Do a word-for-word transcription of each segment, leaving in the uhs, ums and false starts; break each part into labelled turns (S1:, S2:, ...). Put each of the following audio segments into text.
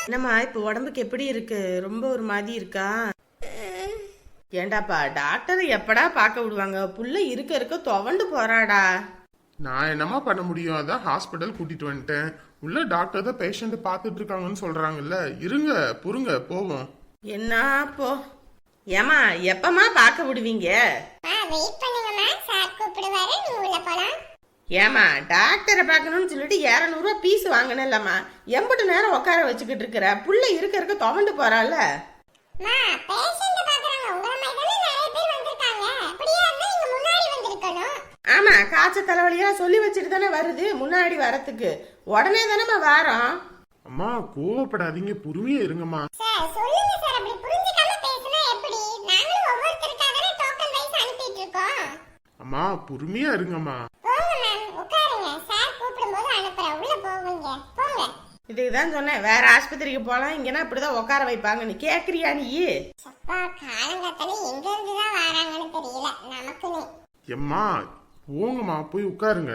S1: என்னம்மா இப்ப உடம்புக்கு எப்படி இருக்கு? ரொம்ப ஒரு மாதிரி இருக்கா? ஏண்டாப்பா டாக்டர் எப்படா பார்க்க விடுவாங்க? புள்ள இருக்க இருக்க துவண்டு போறாடா.
S2: நான் என்னமா பண்ண முடியும்? அதான் ஹாஸ்பிட்டல் கூட்டிட்டு வந்துட்டேன். உள்ள டாக்டர் தான் பேஷண்ட் பார்த்துட்டு இருக்காங்கன்னு சொல்றாங்கல்ல. இருங்க பொறுங்க போவோம்.
S1: என்ன போ. ஏமா எப்பமா பார்க்க விடுவீங்க? ஏமா டாக்டரை பார்க்கணும்னு சொல்லிட்டு இருநூறு ரூபா பீஸ் வாங்கினல்லம்மா, எம்பிட்டு நேரம் உட்கார வச்சுக்கிட்டு இருக்கிற? புள்ள இருக்க இருக்க துவண்டு போறால. ஆமா, காய்ச்ச தலைவலியா சொல்லி வச்சுட்டு தானே வருது முன்னாடி வரத்துக்கு. உடனே தானே வாரம்.
S2: அம்மா கோவப்படாதீங்க, பொறுமையா இருங்கம்மா. அம்மா பொறுமையா இருங்கம்மா.
S1: இதுதான் சொன்னேன், வேற ஆஸ்பத்திரிக்கு போலாம், இங்கன்னா இப்படிதான் உட்கார வைப்பாங்க. நீ கேக்குறியா? நீ
S2: எம்மா போங்கம்மா, போய் உட்காருங்க.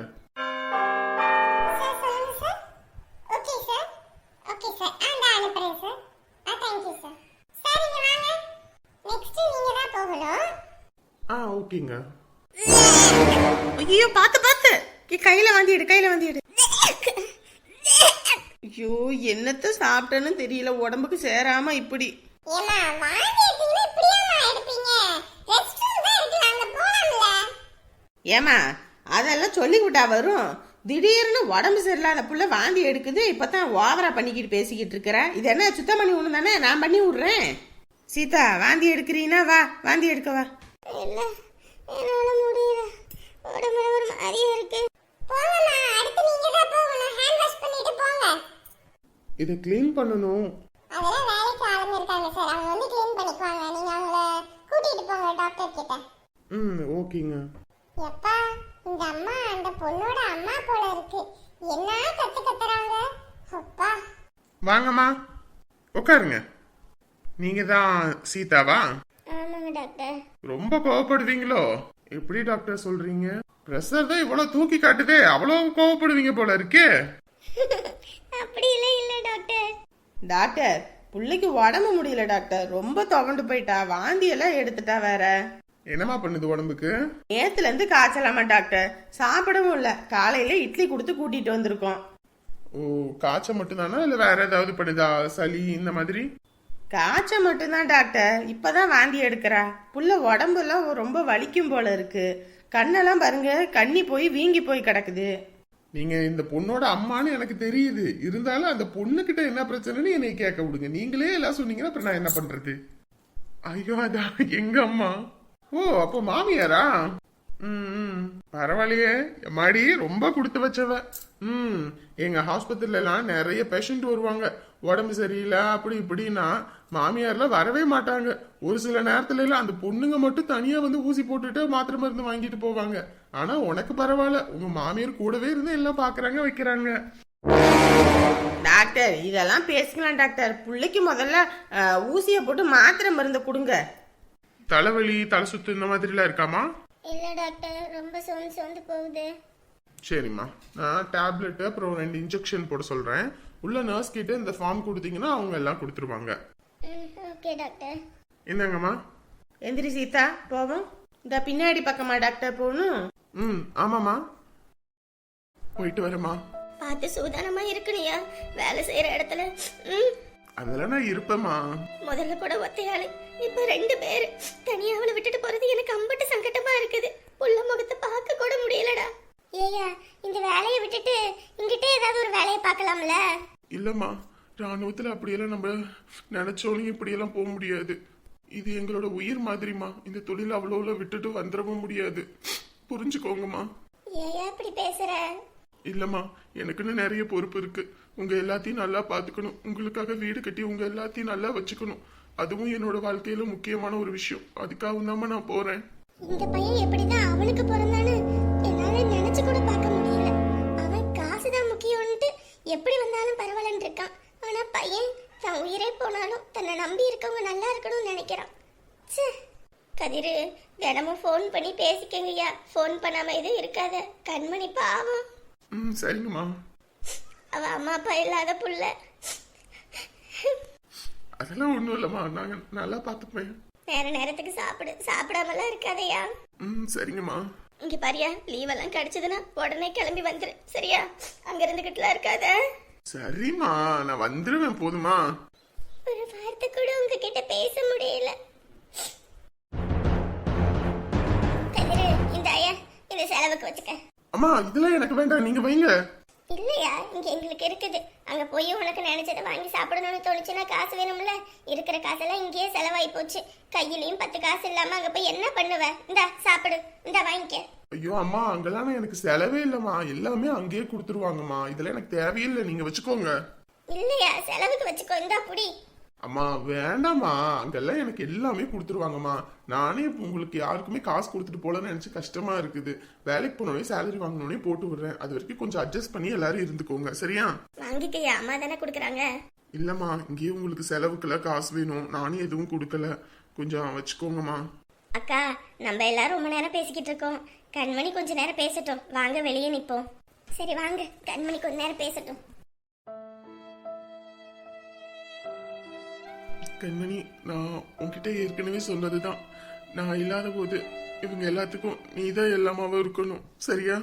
S2: ஆ ஓகேங்க.
S1: ஐயோ பாத்து பாத்து, கையில வாந்தி எடு, கையில வாந்தி எடு. ஐயோ என்னத்த சாப்பிட்டேன்னு தெரியல, உடம்புக்கு சேராம இப்படி. ஏமா அதெல்லாம் சொல்லி விட்டா வரும்? திடீர்னு உடம்பு சரியில்லாத புள்ள வாந்தி எடுக்குது, இப்பதான் ஓவரா பண்ணிக்கிட்டு பேசிக்கிட்டு இருக்கிற. இது என்ன சுத்தம் பண்ணி விடணும் தானே? நான் பண்ணி விடுறேன். சீதா வாந்தி எடுக்கிறீனா? வா வாந்தி எடுக்க வா.
S3: இல்ல என்னால முடியல, உடம்புல ஒரு மாதிரியா இருக்கு. போங்கம்மா, அடுத்து நீங்க தான் போகணும். ஹேண்ட் வாஷ் பண்ணிட்டு போங்க.
S2: இத க்ளீன் பண்ணனும்.
S3: அதெல்லாம் வேலைக்கு ஆளுங்க இருக்காங்க சார், அவங்க வந்து க்ளீன் பண்ணிக்குவாங்க. நீங்க அவங்கள கூட்டிட்டு போங்க டாக்டர் கிட்ட.
S2: ம் ஓகேங்க.
S3: எப்பா இந்த அம்மா அந்த பொண்ணோட அம்மா போல இருக்கு. என்ன கத்து கத்துறாங்க அப்பா.
S2: வாங்கம்மா உட்காருங்க. நீங்க தான் சீதாவா?
S3: ஆமாங்க டாக்டர்.
S2: ரொம்ப கோவப்படுவீங்களோ? எப்படி டாக்டர் சொல்றீங்க? பிரஷர் தான் இவ்வளவு தூக்கி காட்டுதே, அவ்வளவு கோவப்படுவீங்க போல இருக்கே.
S3: அப்படி இல்ல இல்ல டாக்டர்.
S1: டாக்டர் புள்ளைக்கு உடம்பு முடியல டாக்டர், ரொம்ப துவண்டு போயிட்டா, வாந்தி எல்லாம் எடுத்துட்டா. வேற
S2: என்னமா பண்ணுது உடம்புக்கு?
S1: நேத்துல இருந்து காய்ச்சலாமா டாக்டர், சாப்பிடவும் இல்ல. காலையில இட்லி கொடுத்து கூட்டிட்டு வந்திருக்கோம்.
S2: ஓ காய்ச்சல் மட்டும்தானா இல்ல வேற ஏதாவது பண்ணுதா? சளி இந்த மாதிரி?
S1: காய்ச்சல் மட்டும்தான் டாக்டர், இப்பதான் வாந்தி எடுக்கிறா. புள்ள உடம்புலாம் ரொம்ப வலிக்கும் போல இருக்கு. கண்ணெல்லாம் பாருங்க, கண்ணி போய் வீங்கி போய் கிடக்குது.
S2: நீங்க இந்த பொண்ணோட அம்மான்னு எனக்கு தெரியுது, இருந்தாலும் அந்த பொண்ணு கிட்ட என்ன பிரச்சனைன்னு என்னை கேட்க விடுங்க. நீங்களே எல்லாம் சொன்னீங்கன்னா அப்புறம் நான் என்ன பண்றது? ஐயோ அதான் எங்க அம்மா. ஓ அப்போ மாமியாரா? ம் பரவாயில்லையே மாடி, ரொம்ப கொடுத்து வச்சவ. ம் எங்க ஹாஸ்பிட்டல்ல எல்லாம் நிறைய பேஷண்ட் வருவாங்க, உடம்பு சரியில்லை அப்படி இப்படின்னா மாமியார்லாம் வரவே மாட்டாங்க. ஒரு சில நேரத்துல எல்லாம் அந்த பொண்ணுங்க மட்டும் தனியா வந்து ஊசி போட்டுட்டு மாத்திரை மருந்து வாங்கிட்டு போவாங்க. ஆனா உனக்கு பரவாயில்ல, உங்க மாமியார் கூடவே இருந்து எல்லாம் பாக்குறாங்க வைக்கிறாங்க.
S1: டாக்டர் இதெல்லாம் பேசிக்கலாம் டாக்டர். புள்ளைக்கு முதல்ல ஊசிய போட்டு மாத்திரை மருந்து கொடுங்க.
S2: தலைவலி தலை சுத்து இந்த மாதிரி எல்லாம் இருக்காமா?
S3: இல்ல டாக்டர், ரொம்ப சோர்ந்து சோர்ந்து போகுது.
S2: சரிம்மா, நான் டேப்லெட் அப்புறம் ரெண்டு இன்ஜெக்ஷன் போட சொல்றேன். உள்ள நர்ஸ் கிட்ட இந்த ஃபார்ம் கொடுத்தீங்கன்னா அவங்க எல்லாம் கொடுத்துருவாங்க.
S3: Okay doctor.
S2: என்னங்கம்மா?
S1: எந்திரி சீதா போவோம். இந்த பின்னாடி பக்கமா டாக்டர் போகணும்.
S2: ம் ஆமாம்மா, போயிட்டு வரேம்மா.
S3: பார்த்து சூதானமா இருக்கணியா வேலை செய்யற இடத்துல. ம்
S2: அதெல்லாம் நான் இருப்பேம்மா.
S3: முதல்ல கூட ஒத்தையாளு, இப்ப ரெண்டு பேரு. தனியா அவளை விட்டுட்டு போறது எனக்கு அம்பட்டு சங்கட்டமா இருக்குது. புள்ள முகத்தை பார்க்க கூட முடியலடா. ஏயா இந்த வேலையை விட்டுட்டு இங்கிட்டே ஏதாவது ஒரு வேலையை பார்க்கலாம்ல?
S2: இல்லம்மா, ராணுவத்துல அப்படியெல்லாம் நம்ம நினைச்சோன்னு இப்படியெல்லாம் போக முடியாது. இது எங்களோட உயிர் மாதிரிமா. இந்த தொழில் அவ்வளோ விட்டுட்டு வந்துடவும் முடியாது, புரிஞ்சுக்கோங்கம்மா.
S3: ஏயா இப்படி பேசுற?
S2: இல்லம்மா, எனக்குன்னு நிறைய பொறுப்பு இருக்கு. உங்க எல்லாத்தையும் நல்லா பாத்துக்கணும், உங்களுக்காக வீடு கட்டி உங்க எல்லாத்தையும் நல்லா வச்சுக்கணும். அதுவும் என்னோட வாழ்க்கையில முக்கியமான ஒரு விஷயம். அதுக்காக தாம்மா நான் போறேன்.
S3: இந்த பையன் எப்படிதான் அவனுக்கு பிறந்தான்னு என்னால நினைச்சு கூட பார்க்க முடியல. அவன் காசுதான் முக்கியம்னுட்டு எப்படி வந்தாலும் பரவாயில்லன்னு இருக்கான். ஆனா பையன் தன் உயிரே போனாலும் தன்னை நம்பி இருக்கவங்க நல்லா இருக்கணும்னு நினைக்கிறான். கதிரு தினமும் ஃபோன் பண்ணி பேசிக்கங்கய்யா. ஃபோன் பண்ணாம எதுவும் இருக்காத. கண்மணி பாவம்.
S2: ம் சரிங்கம்மா.
S3: அவ அம்மா அப்பா இல்லாத புள்ள.
S2: அதெல்லாம் ஒண்ணும் இல்லம்மா, நாங்க நல்லா பாத்துப்பேன்.
S3: நேர நேரத்துக்கு சாப்பிடு, சாப்பிடாமலாம் இருக்காதையா.
S2: ம் சரிங்கம்மா.
S3: இங்க பாரியா, லீவ் எல்லாம் கிடைச்சதுன்னா உடனே கிளம்பி வந்துரு, சரியா? அங்க இருந்துகிட்டுலாம் இருக்காத.
S2: சரிம்மா, நான் வந்துருவேன், போதுமா?
S3: ஒரு வார்த்தை கூட உங்ககிட்ட பேச முடியல. கதிரு, இந்த ஐயா இந்த செலவுக்கு வச்சுக்க.
S2: அம்மா இதெல்லாம் எனக்கு வேண்டாம், நீங்க வைங்க.
S3: இல்லையா, இங்க எங்களுக்கு இருக்குது. அங்க போய் உனக்கு நினைச்சதை வாங்கி சாப்பிடணும்னு தோணுச்சுன்னா காசு வேணும்ல. இருக்கிற காசெல்லாம் இங்கேயே செலவாயி போச்சு. கையிலயும் பத்து காசு இல்லாம அங்க போய் என்ன பண்ணுவ? இந்தா சாப்பிடு, இந்தா வாங்கிக்க.
S2: ஐயோ அம்மா, அங்கெல்லாம் எனக்கு செலவே இல்லம்மா, எல்லாமே அங்கேயே கொடுத்துருவாங்கம்மா. இதெல்லாம் எனக்கு தேவையில்லை, நீங்க வச்சுக்கோங்க.
S3: இல்லையா, செலவுக்கு வச்சுக்கோ, இந்தா புடி.
S2: அம்மா வேண்டாம்மா, அங்கெல்லாம் எனக்கு எல்லாமே கொடுத்துருவாங்கம்மா. நானே இப்போ உங்களுக்கு யாருக்குமே காசு கொடுத்துட்டு போலன்னு நினைச்சு கஷ்டமா இருக்குது. வேலைக்கு போனோடனே சேலரி வாங்கினோடனே போட்டு விடுறேன். அது வரைக்கும் கொஞ்சம் அட்ஜஸ்ட் பண்ணி எல்லாரும் இருந்துக்கோங்க, சரியா?
S3: வாங்கிக்கையா, அம்மா தானே கொடுக்குறாங்க.
S2: இல்லம்மா, இங்கேயே உங்களுக்கு செலவுக்குலாம் காசு வேணும், நானே எதுவும் கொடுக்கல, கொஞ்சம் வச்சுக்கோங்கம்மா.
S3: அக்கா, நம்ம எல்லாரும் ரொம்ப நேரம் பேசிக்கிட்டு இருக்கோம். கண்மணி கொஞ்ச நேரம் பேசட்டும், வாங்க வெளியே நிப்போம். சரி வாங்க, கண்மணி கொஞ்ச நேரம் பேசட்டும்.
S2: கண்மணி, நான் உன்கிட்ட ஏற்கனவே சொன்னதுதான், நான் இல்லாத போது இவங்க எல்லாத்துக்கும் நீதான் எல்லாமாவும் இருக்கணும், சரியா?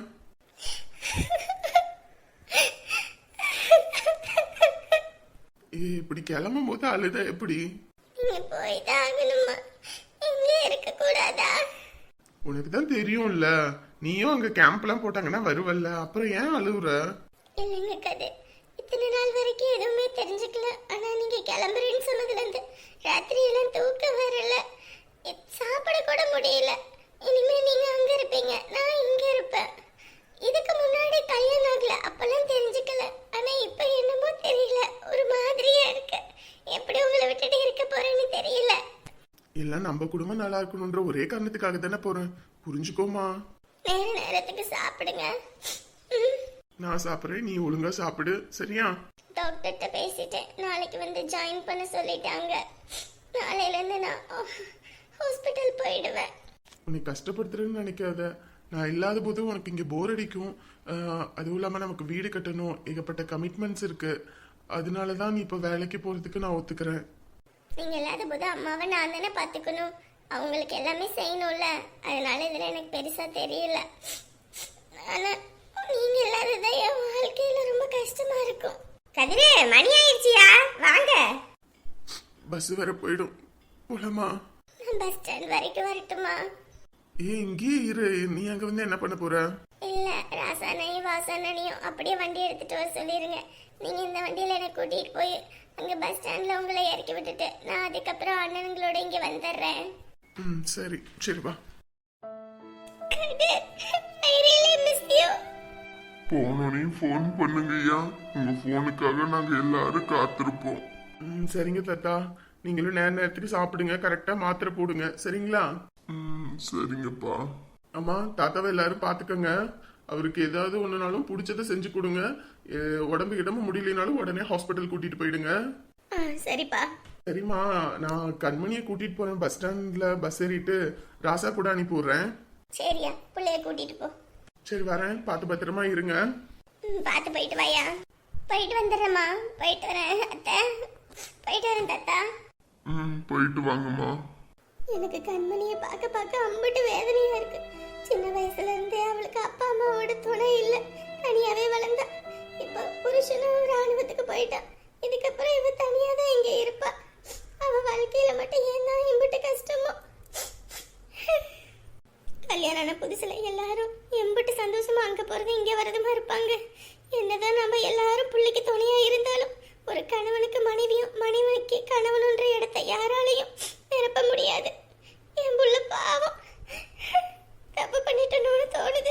S2: ஏ இப்படி கிளம்பும் போது அழுத எப்படி?
S3: நீங்க போய் தான் ஆகணுமா? இங்கே இருக்க கூடாதா?
S2: உனக்கு தான் தெரியும்ல, நீயும் அங்க கேம்ப்லாம் போட்டாங்கன்னா வருவல்ல, அப்புறம் ஏன் அழுவுற?
S3: இல்லைங்க கதை, இத்தனை நாள் வரைக்கும் எதுவுமே தெரிஞ்சுக்கல. ஆனா நீங்க கிளம்புறேன்னு சொன்னதுல இருந்து ராத்திரி எல்லாம் தூக்கம் வரல, எ- சாப்பிட கூட முடியல. இனிமே நீங்க அங்க இருப்பீங்க, நான் இங்க இருப்பேன். இதுக்கு முன்னாடி கல்யாணம் ஆகல, அப்பெல்லாம் தெரிஞ்சுக்கல. ஆனா இப்ப என்னமோ தெரியல, ஒரு மாதிரியா இருக்கு. எப்படி உங்களை விட்டுட்டு இருக்க போறேன்னு தெரியல.
S2: எல்லாம் நம்ம குடும்பம் நல்லா இருக்கணும்ன்ற ஒரே காரணத்துக்காக தானே போறேன், புரிஞ்சுக்கோமா?
S3: நேர நேரத்துக்கு சாப்பிடுங்க. ம்.
S2: நான் சாப்பிட்றேன், நீ ஒழுங்கா சாப்பிடு, சரியா?
S3: டாக்டர்கிட்ட பேசிட்டேன், நாளைக்கு வந்து ஜாயின் பண்ண சொல்லிட்டாங்க. நாளையில இருந்து நான் ஹாஸ்பிட்டல் போயிடுவேன்.
S2: உன்னை கஷ்டப்படுத்துறேன்னு நினைக்காத. நான் இல்லாத போது உனக்கு இங்கே போர் அடிக்கும். ஆஹ், அதுவும் இல்லாமல் நமக்கு வீடு கட்டணும், ஏகப்பட்ட கமிட்மெண்ட்ஸ் இருக்கு. அதனால தான் நீ இப்போ வேலைக்கு போகிறதுக்கு நான் ஒத்துக்கிறேன்.
S3: நீங்க இல்லாத போது அம்மாவை நான் தானே பார்த்துக்கணும், அவங்களுக்கு எல்லாமே செய்யணும்ல. அதனால இதுல எனக்கு பெருசா தெரியல. ஆனா நீங்க இல்லாததான் என் வாழ்க்கையில ரொம்ப கஷ்டமா இருக்கும். கதிரே, மணி ஆயிடுச்சியா, வாங்க.
S2: பஸ் வர போயிடும், போலாமா?
S3: நான் பஸ் ஸ்டாண்ட் வரைக்கும் வரட்டுமா?
S2: ஏ இங்கேயே இரு, நீ அங்கே வந்து என்ன பண்ண போற?
S3: இல்ல, ராசானையும் வாசானையும் அப்படியே வண்டி எடுத்துட்டு வர சொல்லிருங்க. நீங்க இந்த வண்டியில என்னை கூட்டிட்டு போய் அங்க பஸ் ஸ்டாண்ட்ல உங்களை இறக்கி விட்டுட்டு நான் அதுக்கப்புறம் அண்ணனுங்களோட இங்க வந்துடுறேன்.
S2: ம் சரி சரி வா.
S3: I really miss you.
S4: போனோனையும் ஃபோன் பண்ணுங்கய்யா, உங்க ஃபோனுக்காக நாங்க எல்லாரும் காத்திருப்போம்.
S2: ம் சரிங்க தாத்தா, நீங்களும் நேர நேரத்துக்கு சாப்பிடுங்க, கரெக்டாக மாத்திரை போடுங்க, சரிங்களா?
S4: ம் சரிங்கப்பா.
S2: அம்மா தாத்தாவை எல்லாரும் பார்த்துக்கங்க. அவருக்கு ஏதாவது ஒன்றுனாலும் பிடிச்சதை செஞ்சு கொடுங்க. எ, உடம்பு கிடம்பு முடியலனாலும் உடனே ஹாஸ்பிட்டல் கூட்டிட்டு போயிடுங்க.
S3: ஆ, சரிப்பா.
S2: சரிம்மா, நான் கண்மணியை கூட்டிட்டு போறேன். பஸ் ஸ்டாண்ட்ல பஸ் ஏறிட்டு ராசா கூட அனுப்பி விடுறேன்.
S3: சரியா, பிள்ளைய கூட்டிட்டு போ.
S2: சரி வரேன், பார்த்து பத்திரமா இருங்க.
S3: ம், பார்த்து போயிட்டு வாயா. போயிட்டு வந்துடுறேம்மா, போயிட்டு வரேன் அத்தை, போயிட்டு வரேன் தாத்தா.
S4: ம் போயிட்டு வாங்கம்மா.
S3: எனக்கு கண்மணியை பார்க்க பார்க்க அம்பிட்டு வேதனையா இருக்கு. சின்ன வயசுல இருந்தே அவளுக்கு அப்பா அம்மாவோட துணை இல்ல, தனியாவே வளர்ந்தா. இப்ப புருஷனும் ராணுவத்துக்கு போயிட்டான். இதுக்கப்புறம் இவ தனியா தான் இங்க இருப்பா. அவ வாழ்க்கையில மட்டும் ஏன் தான் இம்பிட்டு கஷ்டமோ. கல்யாண புதுசுல எல்லாரும் எம்பிட்டு சந்தோஷமா அங்க போறது இங்க வரதுமா இருப்பாங்க. என்னதான் நம்ம எல்லாரும் பிள்ளைக்கு துணையா இருந்தாலும் ஒரு கணவனுக்கு மனைவியும் மனைவிக்கு கணவனுன்ற இடத்தை யாராலையும் நிரப்ப முடியாது. என் புள்ள பாவம் தப்பு பண்ணிட்டோன்னு தோணுது.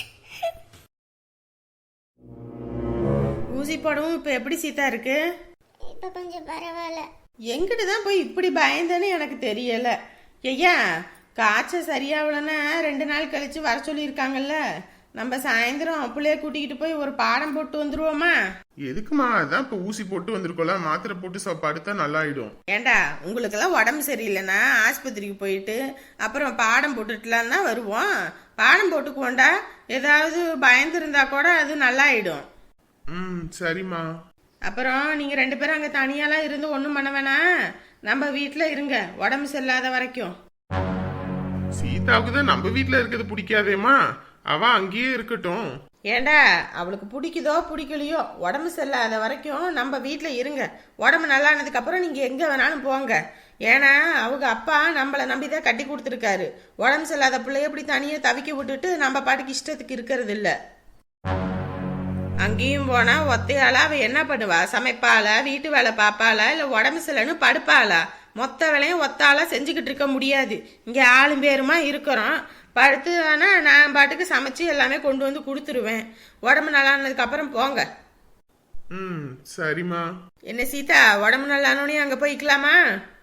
S1: ஊசி போடவும் இப்போ எப்படி சீதா இருக்கு?
S3: இப்ப கொஞ்சம் பரவாயில்ல.
S1: எங்கிட்டு தான் போய் இப்படி பயந்தேன்னு எனக்கு தெரியல. ஐயா, காய்ச்சல் சரியாகலன்னா ரெண்டு நாள் கழிச்சு வர சொல்லியிருக்காங்கல்ல. நம்ம சாயந்தரம் பிள்ளைய கூட்டிக்கிட்டு போய் ஒரு பாடம் போட்டு வந்துருவோமா?
S2: எதுக்குமா? அதான் இப்போ ஊசி போட்டு வந்திருக்கோம்ல, மாத்திரை போட்டு ச- படுத்தா நல்லாயிடும்.
S1: ஏண்டா, உங்களுக்கெல்லாம் உடம்பு சரியில்லைன்னா ஆஸ்பத்திரிக்கு போயிட்டு அப்புறம் பாடம் போட்டுட்டுலாம் தான் வருவோம். பாடம் போட்டுக்குவோண்டா, ஏதாவது பயந்துருந்தா கூட அது நல்லாயிடும்.
S2: ம் சரிம்மா.
S1: அப்புறம் நீங்க ரெண்டு பேரும் அங்க தனியாலாம் இருந்து ஒன்றும் பண்ண வேணாம், நம்ம வீட்டுல இருங்க உடம்பு சரியில்லாத வரைக்கும்.
S2: சீதாவுக்கு தான் நம்ம வீட்டுல இருக்கிறது பிடிக்காதேம்மா, அவ அங்கேயே இருக்கட்டும்.
S1: ஏண்டா அவளுக்கு பிடிக்குதோ பிடிக்கலையோ உடம்பு சரியில்லாத வரைக்கும் நம்ம வீட்டில் இருங்க. உடம்பு நல்லானதுக்கு அப்புறம் நீங்கள் எங்கே வேணாலும் போங்க. ஏன்னா அவங்க அப்பா நம்மளை நம்பி தான் கட்டி கொடுத்துருக்காரு. உடம்பு சரியில்லாத பிள்ளைய இப்படி தனியாக தவிக்க விட்டுட்டு நம்ம பாட்டுக்கு இஷ்டத்துக்கு இருக்கிறது இல்லை. அங்கேயும் போனால் ஒத்தையாளா அவள் என்ன பண்ணுவா? சமைப்பாளா, வீட்டு வேலை பார்ப்பாளா, இல்லை உடம்பு சரியில்லைன்னு படுப்பாளா? மொத்த வேலையும் ஒத்தாளா செஞ்சுக்கிட்டு இருக்க முடியாது. இங்கே ஆளும் பேருமா இருக்கிறோம். படுத்து ஆனால் நான் பாட்டுக்கு சமைச்சு எல்லாமே கொண்டு வந்து கொடுத்துருவேன். உடம்பு நல்லானதுக்கு அப்புறம் போங்க.
S2: ம் சரிம்மா.
S1: என்ன சீதா, உடம்பு நல்லானோடனே அங்கே போய்க்கலாமா?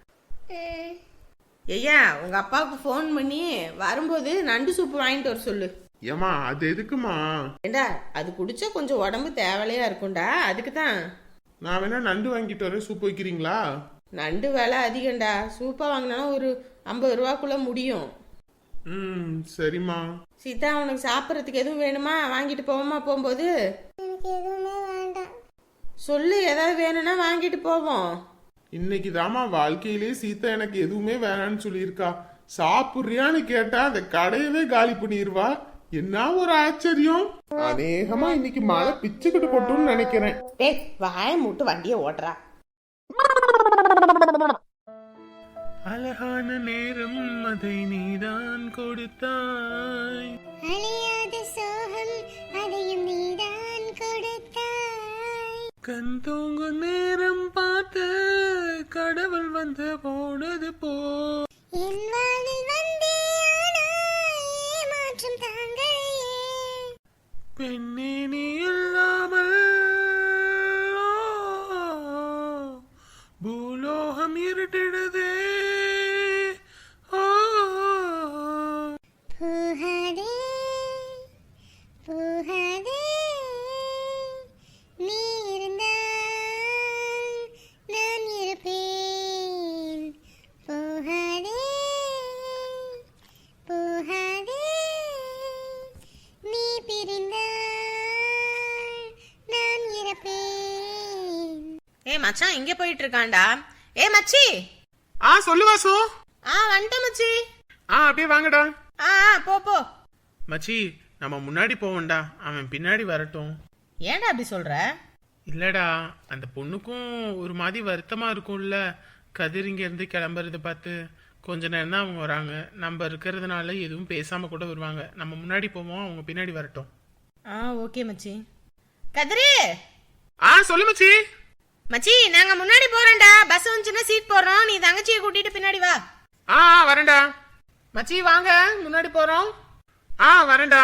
S1: ஐயா உங்க அப்பாவுக்கு ஃபோன் பண்ணி வரும்போது நண்டு சூப்பு வாங்கிட்டு வர சொல்லு.
S2: ஏமா அது எதுக்குமா?
S1: ஏண்டா அது குடிச்சா கொஞ்சம் உடம்பு தேவலையா இருக்கும்டா, அதுக்கு தான்.
S2: நான் வேணா நண்டு வாங்கிட்டு வரேன், சூப் வைக்கிறீங்களா?
S1: நண்டு விலை அதிகம்டா, சூப்பா வாங்கினாலும் ஒரு ஐம்பது ரூபாக்குள்ள முடியும்.
S2: ம் சரிம்மா.
S1: சீதா உனக்கு சாப்பிட்றதுக்கு எதுவும் வேணுமா? வாங்கிட்டு போவோமா போகும்போது?
S3: எனக்கு எதுவுமே வேண்டாம்.
S1: சொல்லு, ஏதாவது வேணும்னா வாங்கிட்டு போவோம்.
S2: இன்னைக்கு தாமா வாழ்க்கையிலே சீதா எனக்கு எதுவுமே வேணான்னு சொல்லியிருக்கா. சாப்பிடுறியான்னு கேட்டா அந்த கடையவே காலி பண்ணிடுவா. என்ன ஒரு ஆச்சரியம். அநேகமா இன்னைக்கு மழை பிச்சுக்கிட்டு கொட்டும்னு நினைக்கிறேன்.
S1: ஏய் வாய மூட்டு வண்டியை ஓட்டுறா.
S2: அழகான நேரம் அதை நீதான் கொடுத்தாய்,
S3: அழியாத சோகம் அதையும் நீதான் கொடுத்தாய்.
S2: கண் தூங்கும் நேரம் பார்த்து கடவுள் வந்து போனது போ.
S3: என் வானில் வந்தே ஆனாய் மாற்றம் தாங்களையே.
S2: பெண்ணே நீ இல்லாமல் பூலோகம் இருட்டிடுதே.
S3: பூகாதே பூகாதே நீ இருந்தால் நான் இருப்பேன். பூகாதே பூகாதே நீ பிரிந்தால் நான் இறப்பேன்.
S1: ஏ மச்சான் இங்க போயிட்டு இருக்கான்டா. ஏ மச்சி.
S2: ஆ சொல்லு வாசு.
S1: ஆ வந்துட்டேன் மச்சி.
S2: ஆ அப்படியே வாங்கடா.
S1: ஆ ஆ, போ போ.
S2: மச்சி நம்ம முன்னாடி போவோம்டா, அவன் பின்னாடி வரட்டும்.
S1: ஏன்டா அப்படி சொல்ற?
S2: இல்லடா அந்த பொண்ணுக்கும் ஒரு மாதிரி வருத்தமா இருக்கும்ல, கதிர் இங்க இருந்து கிளம்புறத பார்த்து. கொஞ்ச நேரம் தான் அவங்க வராங்க, நம்ம இருக்கிறதுனால எதுவும் பேசாம கூட வருவாங்க. நம்ம முன்னாடி போவோம், அவங்க பின்னாடி வரட்டும்.
S1: ஆ ஓகே மச்சி. கதிரி.
S2: ஆ சொல்லு மச்சி.
S1: மச்சி நாங்க முன்னாடி போறோம்டா, பஸ் வந்துச்சுன்னா சீட் போடுறோம், நீ தங்கச்சியை கூட்டிட்டு பின்னாடி வா.
S2: ஆ வரேன்டா. மச்சி வாங்க முன்னாடி போறோம். ஆ வரேன்டா.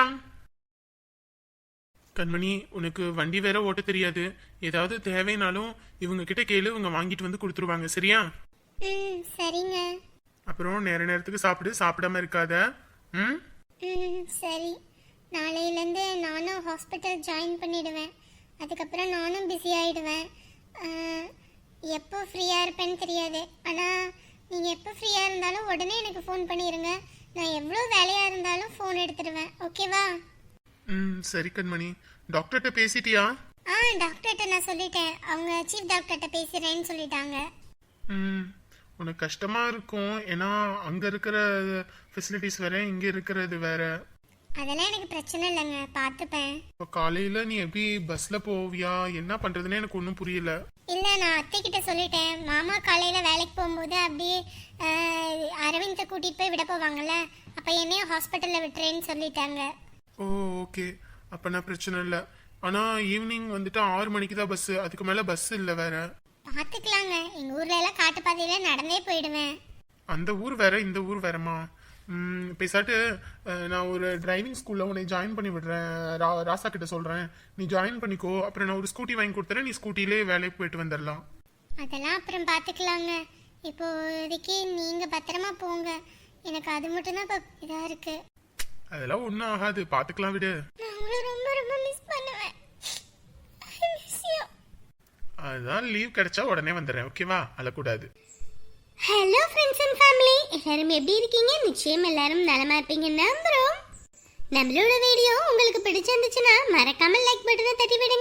S2: கண்மணி உனக்கு வண்டி வேற ஓட்ட தெரியாது, ஏதாவது தேவைனாலும் இவங்க கிட்ட கேளு, இவங்க வாங்கிட்டு வந்து கொடுத்துருவாங்க. சரியா?
S3: ம் சரிங்க.
S2: அப்புறம் நேர நேரத்துக்கு சாப்பிடு, சாப்பிடாம இருக்காத. ம்
S3: ம் சரி. நாளையிலேருந்து நானும் ஹாஸ்பிட்டல் ஜாயின் பண்ணிடுவேன். அதுக்கப்புறம் நானும் பிஸி ஆகிடுவேன். எப்போ ஃப்ரீயாக இருப்பேன்னு தெரியாது. ஆனால் நீங்கள் எப்போ ஃப்ரீயாக இருந்தாலும் உடனே எனக்கு ஃபோன் பண்ணிடுங்க. நான் எவ்வளோ வேலையாக இருந்தாலும் ஃபோன் எடுத்துடுவேன். ஓகேவா?
S2: ம் சரி கண்மணி. டாக்டர்கிட்ட பேசிட்டியா?
S3: ஆ டாக்டர்கிட்ட நான் சொல்லிட்டேன். அவங்க சீஃப் டாக்டர்கிட்ட பேசுகிறேன்னு சொல்லிட்டாங்க.
S2: ம் உனக்கு கஷ்டமா இருக்கும், ஏன்னா அங்க இருக்கிற ஃபெசிலிட்டிஸ் வேற, இங்க இருக்கிறது வேற.
S3: அதெல்லாம் எனக்கு பிரச்சனை இல்லைங்க, பார்த்துப்பேன்.
S2: இப்போ காலையில நீ எப்படி பஸ்ல போவியா? என்ன பண்றதுன்னு எனக்கு ஒன்றும் புரியல.
S3: இல்லை நான் அத்தைக்கிட்ட சொல்லிட்டேன். மாமா காலையில் வேலைக்கு போகும்போது அப்படியே அரவிந்தை கூட்டிகிட்டு போய் விட போவாங்கல்ல, அப்போ என்னையும் ஹாஸ்பிட்டலில் விட்டுறேன்னு சொல்லிட்டாங்க.
S2: ஓ ஓகே, அப்பனா பிரச்சனை இல்லை. ஆனா ஈவினிங் வந்துட்டு ஆறு மணிக்கு தான் பஸ், அதுக்கு மேல பஸ் இல்லை வேற.
S3: பார்த்துக்கலாங்க, எங்கள் ஊர்ல எல்லாம் காட்டுப்பாதையில் நடந்தே போயிடுவேன்.
S2: அந்த ஊர் வேற இந்த ஊர் வேறமா. ம் பேசாட்டு நான் ஒரு டிரைவிங் ஸ்கூல்ல உன்னை ஜாயின் பண்ணி விடுறேன். ரா ராசா கிட்ட சொல்றேன், நீ ஜாயின் பண்ணிக்கோ. அப்புறம் நான் ஒரு ஸ்கூட்டி வாங்கி கொடுத்துறேன், நீ ஸ்கூட்டிலே வேலைக்கு போயிட்டு வந்துடலாம்.
S3: அதெல்லாம் அப்புறம் பார்த்துக்கலாங்க. இப்போதைக்கு நீங்கள் பத்திரமா போங்க. எனக்கு அது மட்டும்தான் இப்போ இதாக இருக்கு.
S2: அதெல்லாம் ஒன்றும் ஆகாது, பார்த்துக்கலாம் விடு.
S3: நான் உங்களை ரொம்ப ரொம்ப மிஸ் பண்ணுவேன். I miss you.
S2: அதுதான் லீவ் கிடைச்சா உடனே வந்துடுறேன், ஓகேவா? அழக்கூடாது.
S3: ஹலோ ஃப்ரெண்ட்ஸ் அண்ட் ஃபேமிலி, எல்லாரும் எப்படி இருக்கீங்க? நிச்சயம் எல்லாரும் நலமா இருப்பீங்க நம்புறோம். நம்மளோட வீடியோ உங்களுக்கு பிடிச்சிருந்துச்சுன்னா மறக்காம லைக் பட்டனை தட்டி விடுங்க.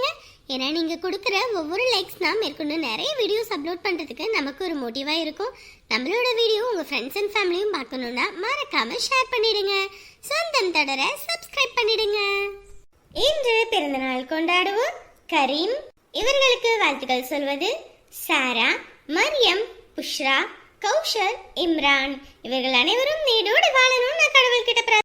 S3: ஏன்னா நீங்கள் கொடுக்குற ஒவ்வொரு லைக்ஸ் தான் மேற்கொண்டு நிறைய வீடியோஸ் அப்லோட் பண்ணுறதுக்கு நமக்கு ஒரு மோட்டிவாக இருக்கும். நம்மளோட வீடியோ உங்கள் ஃப்ரெண்ட்ஸ் அண்ட் ஃபேமிலியும் பார்க்கணுன்னா மறக்காமல் ஷேர் பண்ணிடுங்க. சொந்தம் தொடர சப்ஸ்கிரைப் பண்ணிடுங்க. இன்று பிறந்தநாள் கொண்டாடுவோர் கரீம். இவர்களுக்கு வாழ்த்துக்கள் சொல்வது சாரா, மரியம், புஷ்ரா, கௌஷல், இம்ரான். இவர்கள் அனைவரும் நீடோடு வாழணும் நான் கடவுள்கிட்ட